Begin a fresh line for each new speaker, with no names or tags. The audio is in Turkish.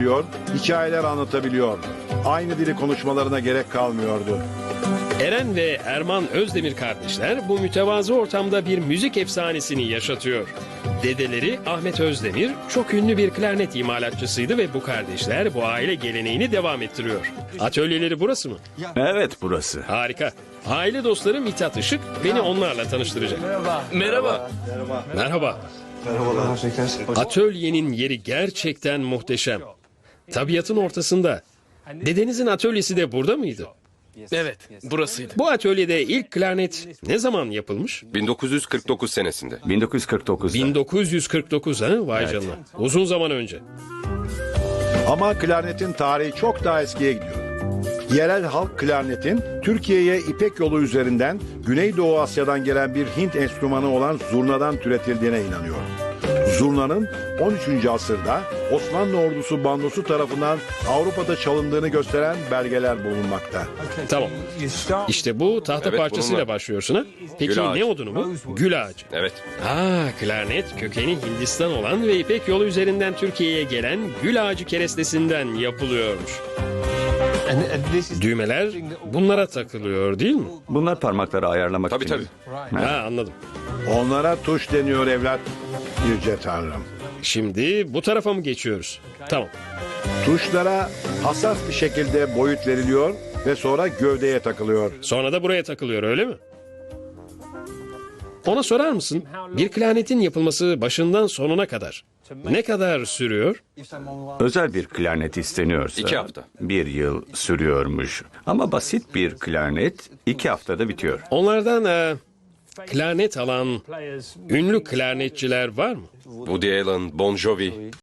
hikayeler anlatabiliyor. Aynı dili konuşmalarına gerek kalmıyordu.
Eren ve Erman Özdemir kardeşler bu mütevazı ortamda bir müzik efsanesini yaşatıyor. Dedeleri Ahmet Özdemir çok ünlü bir klarnet imalatçısıydı ve bu kardeşler bu aile geleneğini devam ettiriyor. Atölyeleri burası mı?
Evet, burası.
Harika. Aile dostları Mithat Işık beni onlarla tanıştıracak.
Merhaba.
Merhaba. Atölyenin yeri gerçekten muhteşem. Tabiatın ortasında. Dedenizin atölyesi de burada mıydı?
Evet, burasıydı.
Bu atölyede ilk klarnet ne zaman yapılmış?
1949 senesinde.
1949'da.
1949 ha? Vay canına. Uzun zaman önce.
Ama klarnetin tarihi çok daha eskiye gidiyor. Yerel halk klarnetin Türkiye'ye İpek yolu üzerinden Güneydoğu Asya'dan gelen bir Hint enstrümanı olan zurnadan türetildiğine inanıyor. Zurnanın 13. asırda Osmanlı ordusu bandosu tarafından Avrupa'da çalındığını gösteren belgeler bulunmakta.
Tamam. İşte bu tahta
Evet,
parçasıyla
bununla.
başlıyorsun ha? Peki
Gül ağacı.
ne odunu bu? Gül ağacı.
Evet.
Klarnet kökeni Hindistan olan ve İpek yolu üzerinden Türkiye'ye gelen gül ağacı kerestesinden yapılıyormuş. Düğmeler bunlara takılıyor değil mi?
Bunlar parmakları ayarlamak
Tabii
için.
tabii.
Anladım.
Onlara tuş deniyor evlat. Yüce Tanrım.
Şimdi bu tarafa mı geçiyoruz? Tamam.
Tuşlara hassas bir şekilde boyut veriliyor ve sonra gövdeye takılıyor.
Sonra da buraya takılıyor öyle mi? Ona sorar mısın? Bir klarnetin yapılması başından sonuna kadar ne kadar sürüyor?
Özel bir klarnet isteniyorsa
2 hafta.
1 yıl sürüyormuş. Ama basit bir klarnet 2 haftada bitiyor.
Onlardan klarnet alan ünlü klarnetçiler var mı?
Woody Allen, Bon Jovi,